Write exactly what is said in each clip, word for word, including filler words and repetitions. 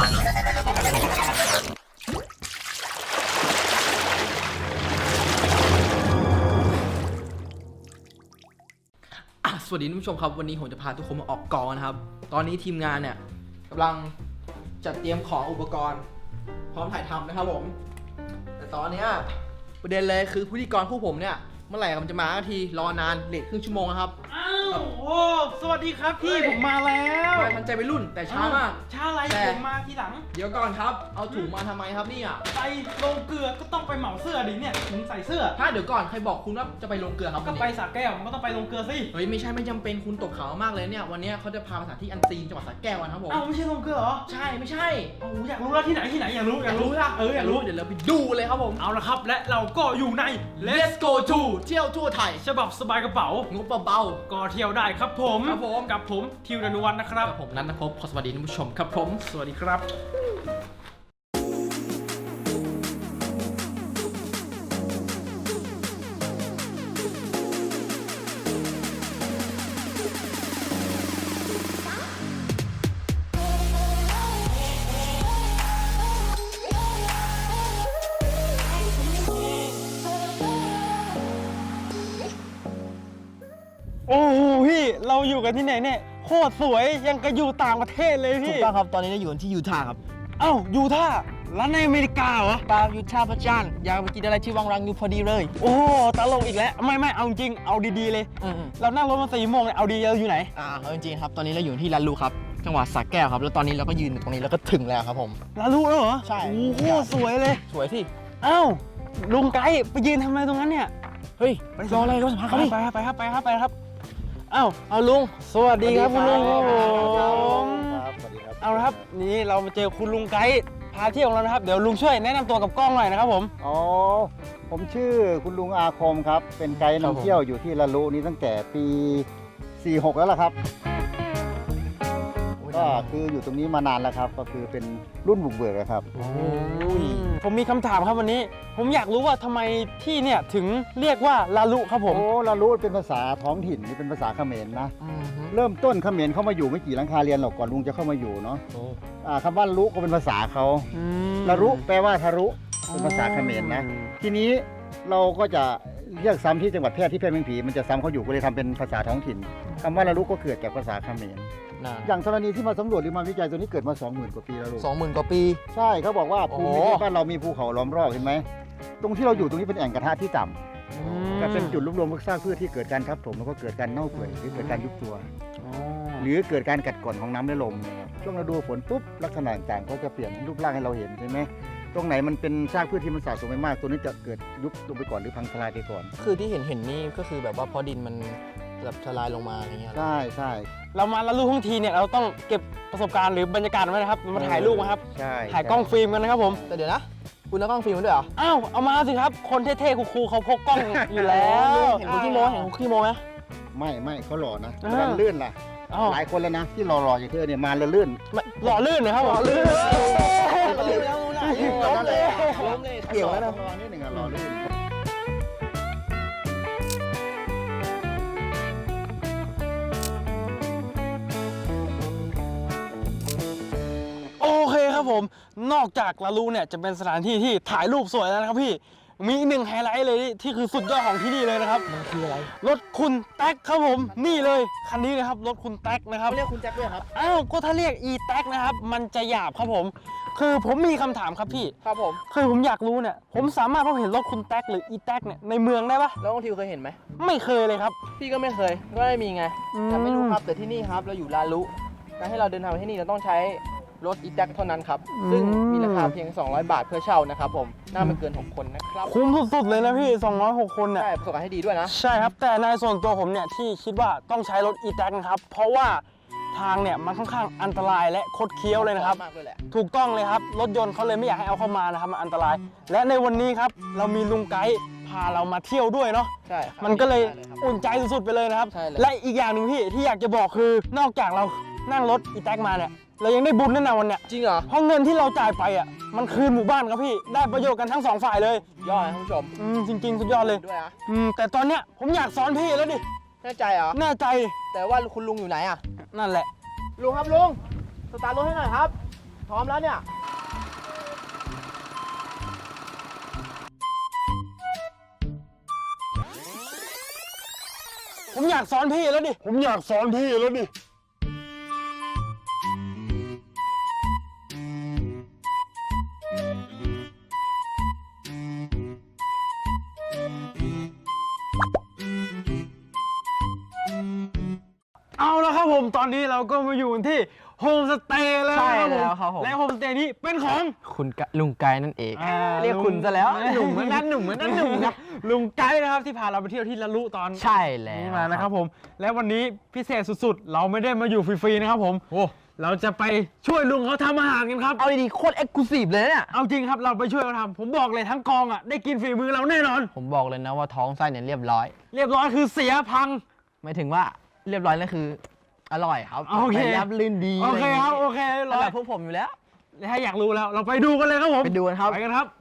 สวัสดีท่านผู้ชมครับวันนี้ผมจะพาทุกคนมาออกกองนะครับตอนนี้ทีมงานเนี่ยกำลังจัดเตรียมของอุปกรณ์พร้อมถ่ายทำนะครับผมแต่ตอนนี้ประเด็นเลยคือพิธีกรคู่ผมเนี่ยเมื่อไหร่มันจะมาทีรอนานเลทครึ่งชั่วโมงนะครับอ้าวโอ้สวัสดีครับพี่ผมมาแล้วมาทันใจไปรุ่นแต่ช้ามากช้าอะไรผมมาทีหลังเดี๋ยวก่อนครับเอาถุงมาทำไมครับนี่อ่ะไปลงเกลือก็ต้องไปเหมาเสื้อดิเนี่ยถุงใส่เสื้อถ้าเดี๋ยวก่อนใครบอกคุณว่าจะไปลงเกลือครับก็ไปสระแก้วมันก็ต้องไปลงเกลือสิเฮ้ยไม่ใช่ไม่จำเป็นคุณตกเขามากเลยเนี่ยวันนี้เขาจะพาไปสถานที่อันซีนจังหวัดสระแก้วนะครับผมอ้าวไม่ใช่ลงเกลือเหรอใช่ไม่ใช่โอ้อยากรู้แล้วที่ไหนที่ไหนอยากรู้อยากรู้ละเอออยากรู้เดี๋ยวเราไปดูเลยครับผมเอาละครับและเราก็อยู่ใน Let's go to เที่ยวทั่วไทยฉบับสบายกระเป๋างบเบาๆก็เที่ยวได้ครับผมครับผมกับผมทิวดานุวัฒน์นะครับกับผมนันทภพขอสวัสดีท่านผู้ชมครับผมสวัสดีครับโอ้โหพี่เราอยู่กันที่ไหนเนี่ยโคตรสวยยังกับอยู่ต่างประเทศเลยพี่ถูกต้องครับตอนนี้เราอยู่ที่ยูทาห์ครับเอ้ายูทาห์ร้านในอเมริกาเหรอปายูทาห์พระจันทร์อยากไปกินอะไรที่วังรังยูพอดีเลยโอ้ตลกอีกแล้วไม่ไม่เอาจริงเอาดีๆเลยเรานั่งรถมาสี่โมงเลยเอาดีเราอยู่ไหนอ่าเอาจริงๆครับตอนนี้เราอยู่ที่ลาลูครับจังหวัดสระแก้วครับแล้วตอนนี้เราก็ยืนตรงนี้แล้วก็ถึงแล้วครับผมลาลูแล้วเหรอใช่โอ้โหสวยเลยสวยที่เอ้าลุงไกด์ไปยืนทำอะไรตรงนั้นเนี่ยเฮ้ยรออะไรรถสัมภาษณ์เขาดิไปครับไปครับไปครับไปครับเอ้าเอาลุงสวัสดีครับคุณลุงครับผมเอาละครับนี่เรามาเจอคุณลุงไกด์พาเที่ยวของเรานะครับเดี๋ยวลุงช่วยแนะนำตัวกับกล้องหน่อยนะครับผมอ๋อผมชื่อคุณลุงอาคมครับเป็นไกด์นำเที่ยวอยู่ที่ละลุนี้ตั้งแต่ปีสี่หกแล้วล่ะครับก็คืออยู่ตรงนี้มานานแล้วครับก็คือเป็นรุ่นบุกเบิกครับผมมีคำถามครับวันนี้ผมอยากรู้ว่าทำไมที่เนี่ยถึงเรียกว่าลาลุครับผมโอ้ลาลุเป็นภาษาท้องถิ่นนี่เป็นภาษาเขมรนะเริ่มต้นเขมรเข้ามาอยู่ไม่กี่หลังคาเรือนหรอกก่อนลุงจะเข้ามาอยู่เนาะคำว่าลุก็เป็นภาษาเขาลาลุแปลว่าทารุเป็นภาษาเขมรนะทีนี้เราก็จะเรียกซ้ำที่จังหวัดแพร่ที่แพร่เมืองผีมันจะซ้ำเขาอยู่ก็เลยทำเป็นภาษาท้องถิ่นคำว่าลาลุก็เกิดจากภาษาเขมรอย่างธรณีที่มาสำรวจหรือมาวิจัยตัวนี้เกิดมา สองหมื่น กว่าปีแล้วลูกสองหมื่น กว่าปีใช่เขาบอกว่าภูมิประเทศบ้านเรามีภูเขาล้อมรอบเห็นไหมตรงที่เราอยู่ตรงนี้เป็นแอ่งกระทะที่ต่ำก็เป็นจุดรวบรวมพวกซากพืชที่เกิดการทับถมแล้วก็เกิดการเน่าเปื่อยหรือเกิดการยุบตัวหรือเกิดการกัดกร่อนของน้ำและลมช่วงฤดูฝนปุ๊บลักษณะต่างๆก็จะเปลี่ยนรูปร่างให้เราเห็นใช่ไหมตรงไหนมันเป็นซากพืชที่มันสะสมไปมากตัวนี้จะเกิดยุบลงไปก่อนหรือพังทลายไปก่อนคือที่เห็นเห็นนี่ก็คือแบบว่าพอดินมันแบบทลายลงมาอะไรเงี้ยใช่ใช่เรามาละลูกทั้งทีเนี่ยเราต้องเก็บประสบการณ์หรือบรรยากาศไว้นะครับมาถ่ายรูปนะครับใช่ถ่ายกล้องฟิล์มกันนะครับผมแต่เดี๋ยวนะคุณเอากล้องฟิล์มมาด้วยเหรออ้าวเอามาสิครับคนเท่ๆคูลๆเขาพกกล้องอยู่แล้วเห็นคุณขี้โมเห็นคุณขี้โมไหมไม่ไม่เขาหล่อนะมันลื่นล่ะหลายคนแล้วนะที่หล่อๆอย่างเธอเนี่ยมาแล้วลื่นหล่อลื่นนะครับหล่อลื่นล้มเลยล้มเลยเกี่ยวแล้วนะนิดหนึ่งหล่อลื่นโอเคครับผมนอกจากลาลูเนี่ยจะเป็นสถานที่ที่ถ่ายรูปสวยแล้วนะครับพี่มีอีกหนึ่งไฮไลท์เลยที่คือสุดยอดของที่นี่เลยนะครับมันคืออะไรรถคุณแท็กครับผมนี่เลยคันนี้นะครับรถคุณแท็กนะครับเรียกคุณแท็กด้วยครับอ้าวก็ถ้าเรียก e แท็กนะครับมันจะหยาบครับผมคือผมมีคำถามครับพี่ครับผมคือผมอยากรู้เนี่ยผมสามารถพบเห็นรถคุณแท็กหรือ e แท็กเนี่ยในเมืองได้ปะแล้วน้องทิวเคยเห็นไหมไม่เคยเลยครับพี่ก็ไม่เคยก็ไม่มีไงแต่ไม่รู้ครับแต่ที่นี่ครับเราอยู่ลาลุการให้เราเดินทางไปที่นี่เราต้องใช้รถอีแท็กเท่านั้นครับซึ่งมีราคาเพียงสองร้อยบาทเพื่อเช่านะครับผมน่าไม่เกินหกคนนะครับคุ้มสุดๆเลยนะพี่สองร้อยหกคนเนี่ยใช่ประสบการณ์ให้ดีด้วยนะใช่ครับแต่ในส่วนตัวผมเนี่ยที่คิดว่าต้องใช้รถอีแท็กนะครับเพราะว่าทางเนี่ยมันค่อนข้างอันตรายและคดเคี้ยวเลยนะครับถูกต้องเลยครับรถยนต์เขาเลยไม่อยากให้เอาเข้ามานะครับมันอันตรายและในวันนี้ครับเรามีลุงไกด์พาเรามาเที่ยวด้วยเนาะใช่มันก็เลยอุ่นใจสุดๆไปเลยนะครับและอีกอย่างหนึ่งพี่ที่อยากจะบอกคือนอกจากเรานั่งรถอีแท็กมาเนี่ยเรายังได้บุญแน่นอนวันเนี้ยจริงเหรอเพราะเงินที่เราจ่ายไปอ่ะมันคืนหมู่บ้านครับพี่ได้ประโยชน์กันทั้งสองฝ่ายเลยยอดนะท่านผู้ชมอืมจริงๆสุดยอดเลยด้วยอ่ะอืมแต่ตอนเนี้ยผมอยากสอนพี่แล้วดิแน่ใจเหรอแน่ใจแต่ว่าคุณลุงอยู่ไหนอ่ะนั่นแหละลุงครับลุงสตาร์ทรถให้หน่อยครับพร้อมแล้วเนี่ยผมอยากสอนพี่แล้วดิ ผมอยากสอนพี่แล้วดิ เอาละครับผมตอนนี้เราก็มาอยู่ที่โฮมสเตย์แล้วใช่แล้วครับผมและโฮมสเตย์นี้เป็นของคุณกะลุงไกด์นั่นเองอ่าเรียกคุณซะแล้วหนุ่มเหมือนกันหนุ่มเหมือนกันหนุ่มครับลุงไกด์นะครับที่พาเราไปเที่ยวที่ละลุตอนใช่แล้วนี่มานะครับผมและวันนี้พิเศษสุดๆ เราไม่ได้มาอยู่ฟรีๆนะครับผมโอ้เราจะไปช่วยลุงเขาทำอาหารกันครับเอาดีๆโคตรเอ็กซ์คลูซีฟเลยเนี่ยเอาจริงครับเราไปช่วยเขาทำผมบอกเลยทั้งกองอ่ะได้กินฝีมือเราแน่นอนผมบอกเลยนะว่าท้องไส้เนี่ยเรียบร้อยเรียบร้อยคือเสียพังไม่ถึงว่าเรียบร้อยนั่นคืออร่อยครับโอเคไปรับลื่นดีโอเคครับโอเคแล้ร้วอยแบบพวกผมอยู่แล้วถ้าอยากรู้แล้วเราไปดูกันเลยครับผมไปดูกันครับไปกันครับ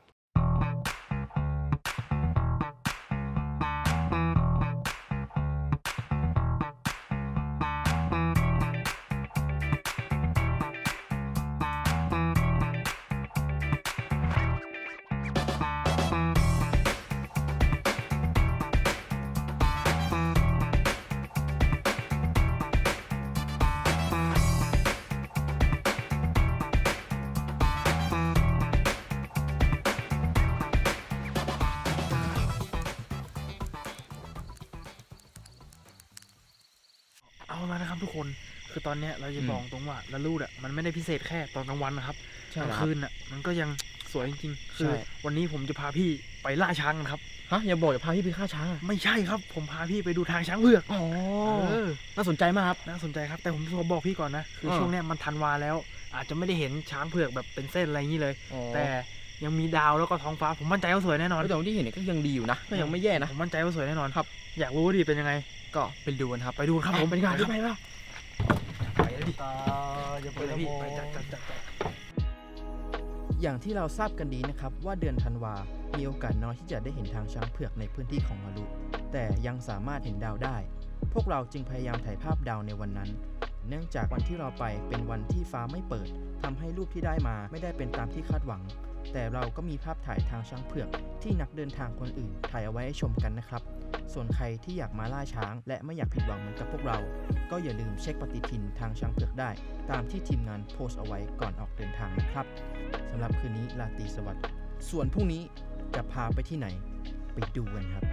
เอาละนะครับทุกคนคือตอนเนี้ยเราจะบอกตรงว่าละลูดอ่ะมันไม่ได้พิเศษแค่ตอนกลางวันนะครับใช่กลางครับคืนอ่ะมันก็ยังสวยจริงๆคือใช่วันนี้ผมจะพาพี่ไปล่าช้างกันครับฮะอย่าบอกอย่าพาพี่ไปฆ่าช้างไม่ใช่ครับผมพาพี่ไปดูทางช้างเผือกอ๋อเออน่าสนใจมากครับน่าสนใจครับแต่ผมขอบอกพี่ก่อนนะคือเออช่วงเนี้ยมันธันวาแล้ว อาจจะไม่ได้เห็นช้างเผือกแบบเป็นเส้นอะไรอย่างนี้เลยแต่แต่ยังมีดาวแล้วก็ท้องฟ้าผมมั่นใจว่าสวยแน่นอนแต่ที่เห็นเนี่ยก็ยังดีอยู่นะ ก็ยังไม่แย่นะผมมั่นใจว่าสวยแน่นอนครับอยากรู้ว่าดีเป็นยังไงก็ไปดูกันครับไปดูครับผมไปดีกว่าครับไปป่ะไปแล้วดิไปเลยพี่ไปจัดจัดจัดจัดอย่างที่เราทราบกันดีนะครับว่าเดือนธันวา มีโอกาสน้อยที่จะได้เห็นทางช้างเผือกในพื้นที่ของมาลุแต่ยังสามารถเห็นดาวได้ พวกเราจึงพยายามถ่ายภาพดาวในวันนั้น เนื่องจากวันที่เราไปเป็นวันที่ฟ้าไม่เปิดทำให้รูปที่ได้มาไม่ได้เป็นตามที่คาดหวัง แต่เราก็มีภาพถ่ายทางช้างเผือกที่นักเดินทางคนอื่นถ่ายเอาไว้ให้ชมกันนะครับ ส่วนใครที่อยากมาล่าช้าง และไม่อยากผิดหวังเหมือนกับพวกเรา ก็อย่าลืมเช็คปฏิทินทางช้างเผือกได้ ตามที่ทีมงานโพสต์เอาไว้ก่อนออกเดินทางนะครับสำหรับคืนนี้ราตรีสวัสดิ์ส่วนพรุ่งนี้จะพาไปที่ไหนไปดูกันครับ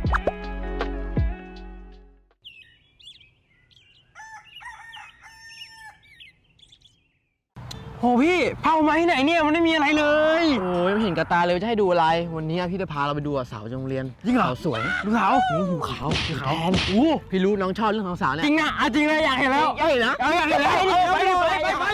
โหพี่เผามาที่ไหนเนี่ยมันไม่มีอะไรเลยโอ้ยไม่เห็นกระตาเลยจะให้ดูอะไร วันนี้พี่จะพาเราไปดูสาวโรงเรียนจริงเหรอสาวสวยลูกสาวนี่หูขาวลูกสาวแทนโอ้พี่รู้น้องชอบเรื่องของสาวเนี่ยจริงนะอ่ะจริงเลยอยากเห็นแล้วใหญ่นะเอาอยากเห็นแล้วเอาไปดิไปไปไป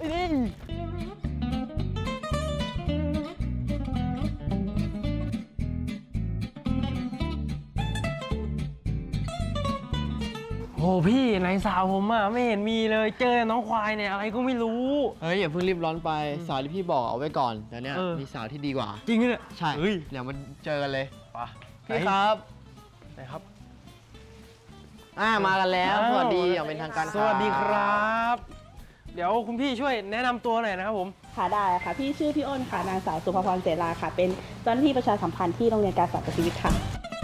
โหพี่ไหนสาวผมอ่ะไม่เห็นมีเลยเจอน้องควายเนี่ยอะไรก็ไม่รู้เฮ้ยอย่าเพิ่งรีบร้อนไปสาวที่พี่บอกเอาไว้ก่อนเดี๋ยวเนี้ยเออมีสาวที่ดีกว่าจริงเนี่ยใช่เฮ้ยเดี๋ยวมันเจอกันเลยไปพี่ครับไหนครับอ่ามากันแล้วอ้าวสวัสดีอย่างเป็นทางการสวัสดีครับ เดี๋ยวคุณพี่ช่วยแนะนำตัวหน่อยนะครับผมค่ะได้ค่ะพี่ชื่อพี่อ้นค่ะนางสาวสุภพรเสราค่ะ เป็นเจ้าหน้าที่ประชาสัมพันธ์ที่โรงเรียนการสอนกับชีวิตค่ะ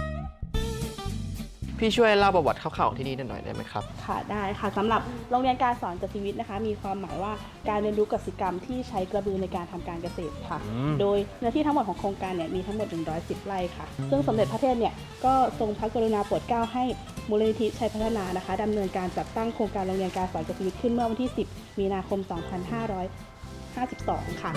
พี่ช่วยเล่าประวัติคร่าวๆของที่นี่หน่อยได้ไหมครับค่ะได้ค่ะสำหรับโรงเรียนการสอนกับชีวิตนะคะ มีความหมายว่าการเรียนรู้กสิกรรมที่ใช้กระบือในการทำการเกษตรค่ะอืมโดยเนื้อที่ทั้งหมดของโครงการเนี่ยมีทั้งหมดหนึ่งร้อยสิบไร่ค่ะ ซึ่งสมเด็จพระเทพเนี่ยก็ทรงพระกรุณาโปรดเกล้าให้มูลนิธิชัยพัฒนานะคะดำเนินการจัดตั้งโครงการโรงเรียนการสอนกับชีวิตขึ้นเมื่อวันที่ สิบ มีนาคม สองพันห้าร้อยห้าสิบสอง ค่ะ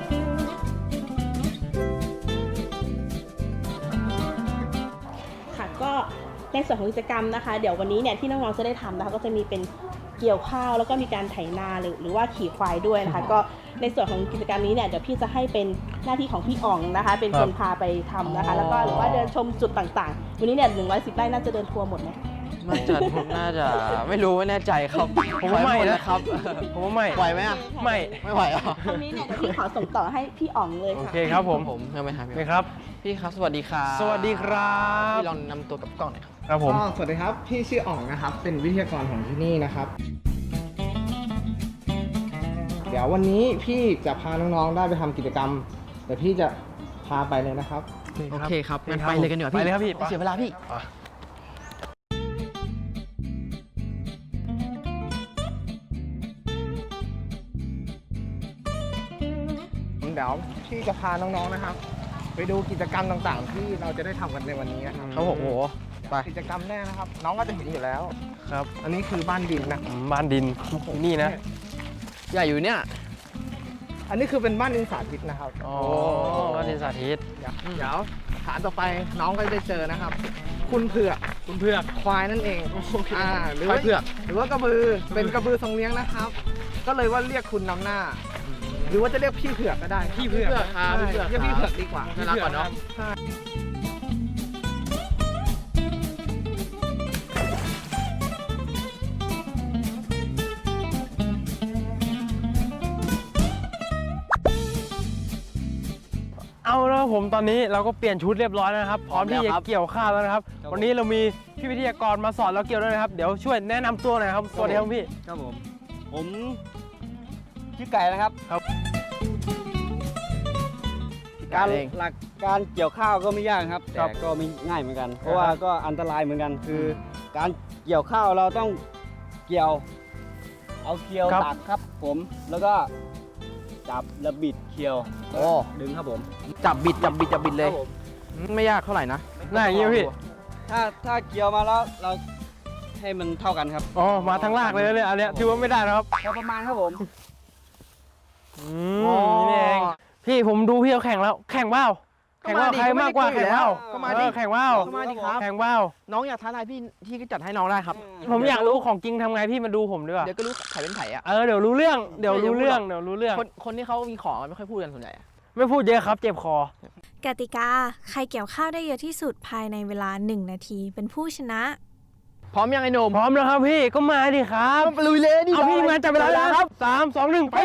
ค่ะก็ในส่วนของกิจกรรมนะคะ เดี๋ยววันนี้เนี่ยที่น้องๆจะได้ทำนะคะก็จะมีเป็นเกี่ยวข้าวแล้วก็มีการไถนาหรือหรือว่าขี่ควายด้วยนะคะ ก็ในส่วนของกิจกรรมนี้เนี่ยเดี๋ยวพี่จะให้เป็นหน้าที่ของพี่อ๋องนะคะ เป็นคนพาไปทำนะคะ แล้วก็หรือว่าเดินชมจุดต่างๆ วันนี้เนี่ยหนึ่งร้อยสิบไร่น่าจะเดินทัวร์หมดไหมน่าจะน่าจะไม่รู้ไม่แน่ใจครับผมว่าไม่หดนะครับผมว่าไม่ไหวไหมอ่ะไม่ไม่ไหวอ่ะตรงนี้เนี่ยเดี๋ยวพี่ขอส่งต่อให้พี่อ๋องเลยโอค่ะเคครับผมผมยังไม่ทำนี่ครับพี่ครับสวัสดีครับสวัสดีครับพี่ลองนำตัวกับกล้องหน่อยครับครับผมก็สวัสดีครับ พี่ชื่ออ๋องนะครับ เป็นวิทยากรของที่นี่นะครับคเดี๋ยววันนี้พี่จะพาน้องๆได้ไปทำกิจกรรมเดี๋ยวพี่จะพาไปเลยนะครับโอเคครับงั้นไปเลยกันดีกว่าพี่ไปเลยครับพี่ไม่เสียเวลาพี่เดี๋ยวพี่จะพาน้องๆนะครับ ไปดูกิจกรรมต่างๆ ที่เราจะได้ทำกันในวันนี้นะครับครับผมโอ้โหไปกิจกรรมแรกนะครับ น้องก็จะเห็นอยู่แล้วครับอันนี้คือบ้านดินนะอืมบ้านดินนี่นะใหญ่อยู่เนี่ยอันนี้คือเป็นบ้านดินสาธิตนะครับอ๋อบ้านดินสาธิตเดี๋ยวเดี๋ยวฐานต่อไปน้องก็จะได้เจอนะครับ คุณเผือกคุณเพื่อกควายนั่นเองอ่าหรือควาว่ายเผือกหรือว่ากระบือเป็นกระบือทรงเลี้ยงนะครับ ก็เลยว่าเรียกคุณนำหน้า หรือว่าจะเรียกพี่เผือกก็ได้พี่เผือกครับใช่พี่เผือกเรียกพี่เผือกดีกว่าน่ารักกว่าเนอะใช่เอาแล้วครับผมตอนนี้เราก็เปลี่ยนชุดเรียบร้อยแล้วนะครับ พร้อมที่จะเกี่ยวข้าวแล้วนะครับ วันนี้เรามีพี่วิทยากรมาสอนเราเกี่ยวด้วยนะครับ เดี๋ยวช่วยแนะนำตัวหน่อยครับ สวัสดีครับพี่ครับผม ผมชื่อไก่นะครับครับการเองหลักการเกี่ยวข้าวก็ไม่ยากครับครัแต่บก็ไม่ง่ายเหมือนกัน เพราะว่าก็อันตรายเหมือนกัน คือการเกี่ยวข้าวเราต้องเกี่ยว เอาเกี่ยวตักครับ ผม แล้วก็จับแล้วบิดเกี่ยวโอ้ดึงครับผมจับบิดจับบิดจับบิดเลยครับผมไม่ยากเท่าไหร่นะหน้าอย่างนี้พี่ถ้าถ้าเกี่ยวมาแล้วเราให้มันเท่ากันครับอ๋อ มาทั้งลากเลยเนี่ยอันเนี้ยถือว่าไม่ได้นะครับพอประมาณครับผมอืมนี่เอง พี่ผมดูพี่เขาแข่งแล้ว แข่งเปล่าก็แข่งมาเปล่าดิใครมากกว่าก็ไม่แข่งได้เปล่าก็มาดิเออแข่งเปล่าก็มาดิครับแข่งเปล่าน้องอยากท้าทายพี่ที่ก็จัดให้น้องได้ครับผมอยากรู้ของจริงทำไงพี่มาดูผมดีกว่าเดี๋ยวก็รู้ไข่เป็นไข่อะเออเดี๋ยวรู้เรื่อง เดี๋ยวไม่รู้รู้เรื่องหรอกเดี๋ยวรู้เรื่องคนคนที่เขามีของไม่ค่อยพูดกันส่วนใหญ่อะไม่พูดเยอะครับ เจ็บคอกติกา ใครเกี่ยวข้าวได้เยอะที่สุดภายในเวลาหนึ่งนาที เป็นผู้ชนะพร้อมยังไอ้หนุ่มพร้อมแล้วครับพี่ ก็มาดิครับลุยเลยดิเอาพี่มาจับเวลาแล้วครับสามสองหนึ่งไป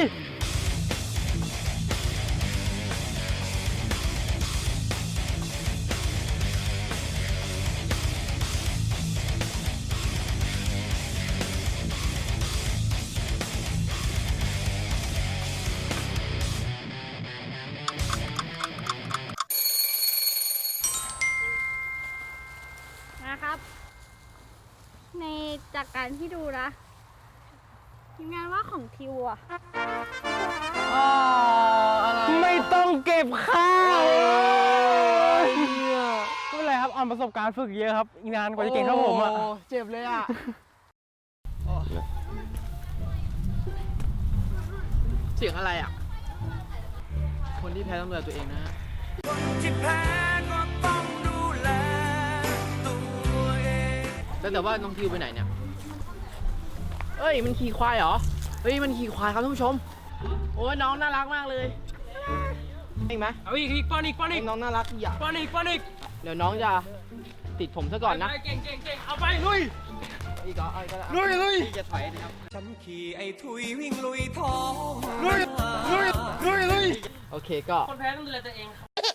นะครับ ในจากการที่ดูนะทีมงานว่าของทิวอะไม่ต้องเก็บข้าวไม่เป็นไรครับอ่อนประสบการณ์ฝึกเยอะครับ อีกนานกว่าจะเก่งเท่าผมอ่ะโเจ็บเลยอะเสียงอะไรอะคนที่แพ้ต้องดูแลตัวเองนะฮะแล้วแต่ว่าน้องทิวไปไหนเนี่ย เอ้ยมันขี่ควายเหรอ เฮ้ยมันขี่ควายครับท่านผู้ชม โอ้ยน้องน่ารักมากเลยเห็นไหมเอาอีกอีกป้อนอีกป้อนอีกน้องน่ารักอย่าป้อนอีกป้อนอีกเดี๋ยวน้องจะติดผมซะก่อนนะเก่งเก่งเก่งเอาไปลุยอีกเหรอเอาอีกก็ได้ลุยลุยจะถอยนะครับลุยลุยลุยลุยโอเคก็คนแพ้ต้องดูแลตัวเอง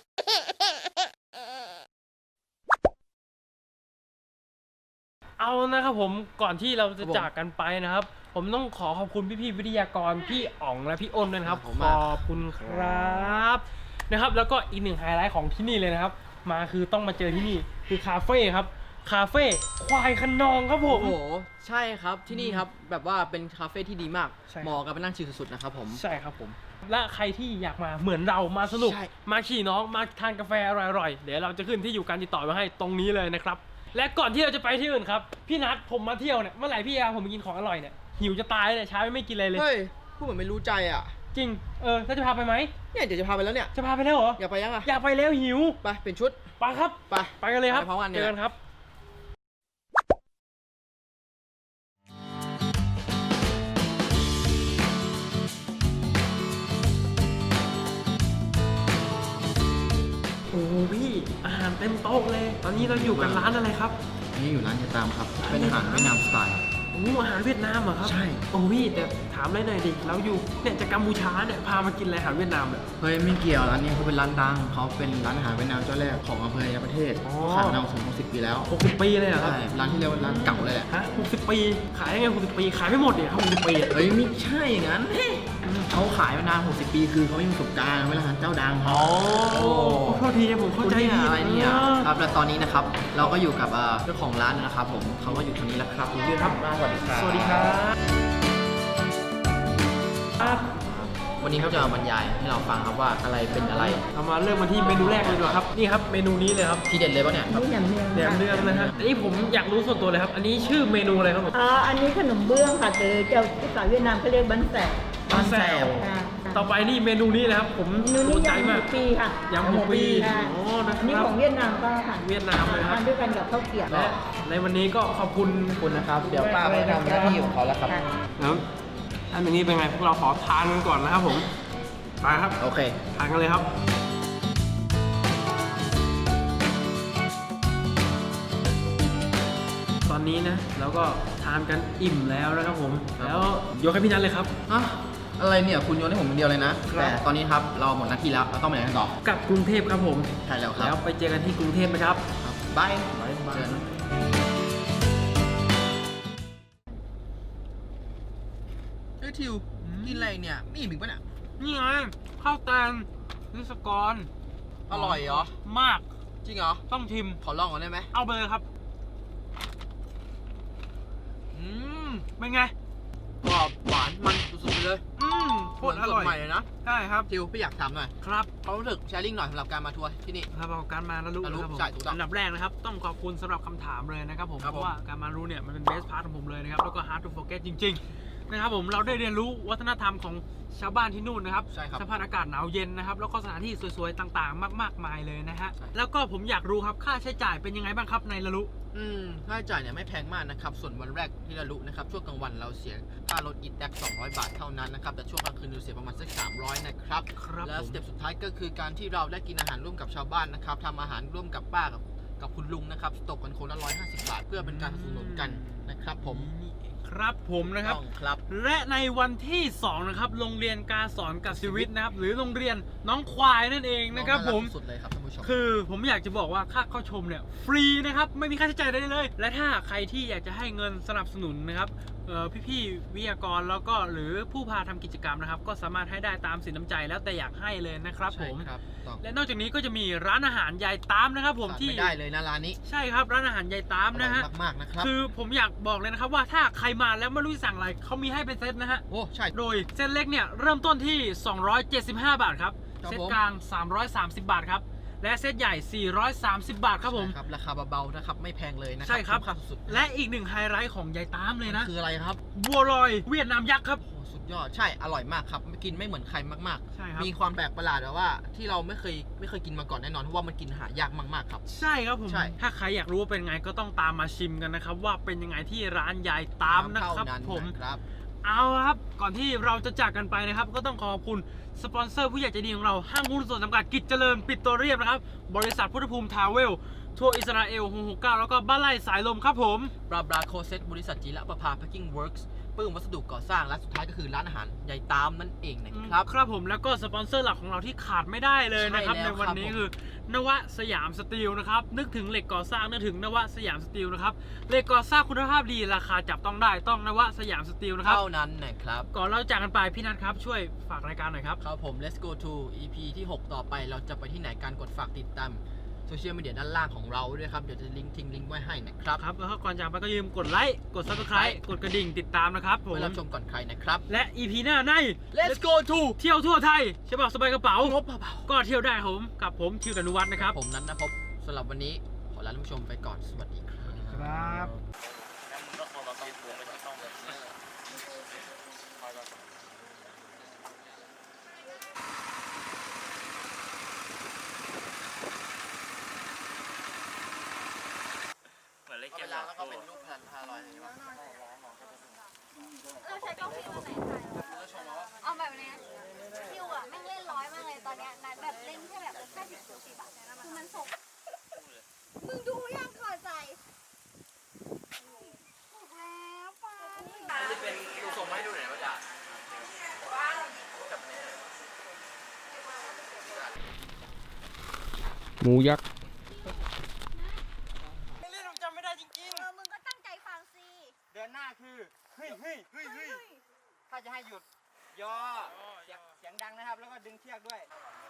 เอานะครับผมก่อนที่เราจะจากกันไปนะครับ ผมต้องขอขอบคุณพี่ๆวิทยากรพี่อ๋องและพี่อ้นด้วยนะครับ ขอบคุณครับนะครับ แล้วก็อีกหนึ่งไฮไลท์ของที่นี่เลยนะครับ มาคือต้องมาเจอที่นี่คือคาเฟ่ครับคาเฟ่ควายขนองครับผมโอ้โหใช่ครับที่นี่ครับแบบว่าเป็นคาเฟ่ที่ดีมากใช่เหมาะกับไปนั่งชิลสุดๆนะครับผมใช่ครับผมและใครที่อยากมาเหมือนเรามาสนุกใช่มาขี่น้องมาทานกาแฟอร่อยๆเดี๋ยวเราจะขึ้นที่อยู่การติดต่อมาให้ตรงนี้เลยนะครับและก่อนที่เราจะไปที่อื่นครับพี่นัทผมมาเที่ยวเนี่ยเมื่อไหร่พี่อาผมมากินของอร่อยเนี่ยหิวจะตายเลยช้าไม่กินอะไรเลยเฮ้ยพูดเหมือนไม่รู้ใจอ่ะจริงเออแล้วจะพาไปไหมเนี่ยเดี๋ยวจะพาไปแล้วเนี่ยจะพาไปแล้วเหรออยากไปยังอ่ะอยากไปแล้วหิวไปเป็นชุดไปครับไปไปกันเลยครับไปพร้อมกันเนี่ยเจอกันครับโอ้พี่อาหารเต็มโต๊ะเลย ตอนนี้เราอยู่กันร้านอะไรครับนี่อยู่ร้านจะตามครับเป็นอาหารเวียดนามสไตล์โอ้อาหารเวียดนามเหรอครับใช่โอ้พี่แต่ถามามเลยหน่อยดิเราอยู่เนี่ยจากกัมพูชาเนี่ยพามากินอะไรอาหารเวียดนามเนี่ยเฮ้ยไม่เกี่ยวร้านนี้เขาเป็นร้านดังเขาเป็นร้านอาหารเวียดนามเจ้าแรกของอำเภอในประเทศอ๋อขายมานานถึงหกสิบปีแล้วหกสิบปีเลยเหรอครับใช่ร้านที่เรียกว่าร้านเก่าเลยแหละฮะหกสิบปีขายยังไงหกสิบปีขายไม่หมดเนี่ยครับหกสิบปีอะเฮ้ยไม่ใช่อย่างนั้นเขาขายมานานหกสิบปีคือเขาไม่มีประสบการณ์เป็นร้านเจ้าดังครับอ๋อโทษทีผมเข้าใจคุณผินี่ดอะไรเนี่ยออครับและตอนนี้นะครับเราก็อยู่กับเอ่อเจ้าของร้านนะครับผมเขาก็อยู่ตรงนี้แล้วครับคุณยืนครับสวัสดีครับสวัสดีครับครับวันนี้เขาจะมาบรรยายให้เราฟังครับว่าอะไรเป็นอะไรเรามาเริ่มมาที่เมนูแรกเลยดีกว่าครับนี่ครับเมนูนี้เลยครับที่เด็ดเลยปะเนี่ยครับแหนมเนืองนะฮะอันนี้ผมอยากรู้ส่วนตัวเลยครับ อันนี้ชื่อเมนูอะไรครับผมอ่าอันนี้ขนมเบื้องค่ะหรือเจ้าภาษาเวียดนามเขาเรียกบันแสบบ้านแซวค่ะต่อไปนี่เมนูนี้นะครับผมเมนูนี้สนใจยำหัมาว กปีค่ะยำหัวปีค่ะอ๋อนะอันนี้ครัขบองเวียดนามก็ค่ะเวียดนามเลยครับทานด้วยกันกับข้าวเกรี๊ยวและในวันนี้ก็ขอบคุณขอบคุณนะครับ เดี๋ยวป้าไปทำหน้าที่ของเขาแล้วครับค่ะครับท่านอย่างนี้เป็นไงพวกเราขอทานกันก่อนนะครับผมไปครับโอเคทานกันเลยครับตอนนี้นะเราก็ทานกันอิ่มแล้วนะครับผมครับแล้วยกให้พี่นัทเลยครับอะอะไรเนี่ยคุณโยนให้ผมคนเดียวเลยนะครับแต่ตอนนี้ครับเราหมดหน้าที่แล้วเราต้องไปไหนกันต่อกลับกรุงเทพครับผมใช่แล้วครัแล้บวไปเจอกันที่กรุงเทพนะครับครับบายบ๊ายบายเจอกันเฮ้ยทิวกินอะไรเนี่ยไม่อิ่มอีกปะเนี่ยนี่ไงข้าวแตงนิสกรอร่อยเหรอมากจริงเหรอต้องชิมขอลองก่อนได้ไหมเอาไปเลยครับอืมเป็นไงกรอบหวานมันสุดๆไปเลยอืมโคตรอร่อยเหมืนสดใหม่เลยนะใช่ครับทิวพี่อยากถามหน่อยครับเขามรู้สึกแชร์ลิงก์หน่อยสำหรับการมาทัวร์ที่นี่ครับเอาการมาแล้วรู้มารู้นะครับผมใช่ถูกต้องอันดับแรกนะครับ ต้องขอบคุณสำหรับคำถามเลยนะครับผมครับเพผมราะว่าการมารู้เนี่ยมันเป็นเบสพาร์ทของผมเลยนะครับ แล้วก็ hard to forget จริง ๆ นะครับผมเราได้เรียนรู้วัฒนธรรมของชาวบ้านที่นู่นนะครับใช่ครับสภาพอากาศหนาวเย็นนะครับ แล้วก็สถานที่สวยๆต่างๆ มากๆมายเลยนะฮะใช่แล้วก็ผมอยากรู้ครับค่าใช้จ่ายเป็นยังไงบ้างครับในละลุอืมค่าใช้จ่ายเนี่ยไม่แพงมากนะครับ ส่วนวันแรกที่เรารู้นะครับ ช่วงกลางวันเราเสียค่ารถอีแท็กสองร้อยบาทเท่านั้นนะครับ แต่ช่วงกลางคืนเราเสียประมาณสักสามร้อยนะครับครับแล้วผมสเต็ปสุดท้ายก็คือการที่เราได้กินอาหารร่วมกับชาวบ้านนะครับทำอาหารร่วมกับป้ากับกับคุณลุงนะครับตกกันคนละร้อยห้าสิบบาท เพื่อเป็นการสนับสนุนกันนะครับผมครับผมนะครับต้องครับและในวันที่สองนะครับโรงเรียนการสอนกับชีวิตนะครับ หรือโรงเรียนน้องควายนั่นเองนะครับผมสุดเลยครับท่านผู้ชมคือผมอยากจะบอกว่าค่าเข้าชมเนี่ยฟรีนะครับไม่มีค่าใช้จ่ายใดๆเลย และถ้าใครที่อยากจะให้เงินสนับสนุนนะครับเอ่อพี่ๆวิทยากรแล้วก็หรือผู้พาทำกิจกรรมนะครับ ก็สามารถให้ได้ตามสินน้ำใจแล้วแต่อยากให้เลยนะครับผใช่มครับต้องและนอกจากนี้ก็จะมีร้านอาหารยายตามนะครับผมขาดที่ไม่ได้เลยนะร้านนี้ใช่ครับร้านอาหารยายตามอร่นะอยฮะมากๆนะครับคือผมอยากบอกเลยนะครับว่าถ้าใครมาแล้วไม่รู้จะสั่งอะไรเขามีให้เป็นเซตนะฮะโอ้ใช่โดยเส้นเล็กเนี่ยเริ่มต้นที่ สองร้อยเจ็ดสิบห้า บาทครับครับเซตผมกลาง สามร้อยสามสิบ บาทครับ และเซตใหญ่ สี่ร้อยสามสิบ บาทครับผมใช่ครับราคาเบาๆนะครับไม่แพงเลยนะครัใช่ครับมค่าสุดๆและอีกหนึ่งไฮไลท์ของยายตามเลยนะคืออะไรครับบัวลอยเวียดนามยักษ์ครับโอ้สุดยอดใช่อร่อยมากครับกินไม่เหมือนใครมากใช่ครับๆ มีความแปลกประหลาดแบบว่าที่เราไม่เคยไม่เคยกินมาก่อนแน่นอนเพราะว่ามันกินหายากมากๆครับใช่ครับผมใช่ถ้าใครอยากรู้ว่าเป็นไงก็ต้องตามมาชิมกันนะครับว่าเป็นยังไงที่ร้านยายตามนะครับเท่านั้นผมนะครับเอาละครับ ก่อนที่เราจะจากกันไปนะครับ ก็ต้องขอบคุณสปอนเซอร์ผู้ใหญ่ใจดีของเราห้างหุ้นส่วนจำกัดกิจเจริญปิโตรเลียมนะครับ บริษัทพุทธภูมิทาวเวล ทัวร์อิสราเอลหกหกเก้าแล้วก็บ้านไร่สายลมครับผมบราบราโคเซตบริษัทจีระประภาแพ็คกิ้งเวิร์กส์ปื้มวัสดุก่อสร้างและสุดท้ายก็คือร้านอาหารยายตามนั่นเองนะครับครับผมแล้วก็สปอนเซอร์หลักของเราที่ขาดไม่ได้เลยนะครับใช่ในแล้ววันนี้ครับผมคือนวสยามสตีลนะครับนึกถึงเหล็กก่อสร้างนึกถึงนวสยามสตีลนะครับเหล็กก่อสร้างคุณภาพดีราคาจับต้องได้ต้องนวสยามสตีลนะครับเท่านั้นนะครับก่อนเราจากกันไปพี่นัทครับช่วยฝากรายการหน่อยครับครับผม let's go to อี พี ที่ หก ต่อไปเราจะไปที่ไหนการกดฝากติดตามโซเชียลมีเดียด้านล่างของเราด้วยครับ เดี๋ยวจะลิงก์ทิ้งลิงก์ไว้ให้นะครับครับแล้วก็ก่อนจากไปก็อย่าลืมกดไลค์กด Subscribe กดกระดิ่งติดตามนะครับผมไว้รับชมก่อนใครนะครับและ อี พี หน้าใน let's go to เที่ยวทั่วไทยฉบับสบายกระเป๋างบเบาก็เที่ยวได้ผมกับผมทิวดานุวัฒน์นะครับๆผมนั้นนะพบสำหรับวันนี้ขอลาท่านผู้ชมไปก่อนสวัสดีครับครับเวลาแล้วก็เป็นรูปพันพาลอยใช่ไหมเราใช้กล้องฟิล์มอันไหนถ่ายเอาแบบนี้คิวอ่ะแม่งเล่นร้อยมากเลยตอนเนี้ยนัดแบบเล่นแค่แบบแค่สิบสี่บาทคือมันส่งมึงดูยังขอใจถูกแล้วป้าจะเป็นดูส่งมาให้ดูหน่อยว่าจะหมูยักษ์ไม่เล่นผมจำไม่ได้จริงเออมึงก็ตั้งใจฟังสิๆ เดือนหน้าคือเฮ้ยเฮ้ยเฮ้ยเฮ้ยถ้าจะให้หยุดยอเสียงเสียงดังนะครับ แล้วก็ดึงเชือกด้วย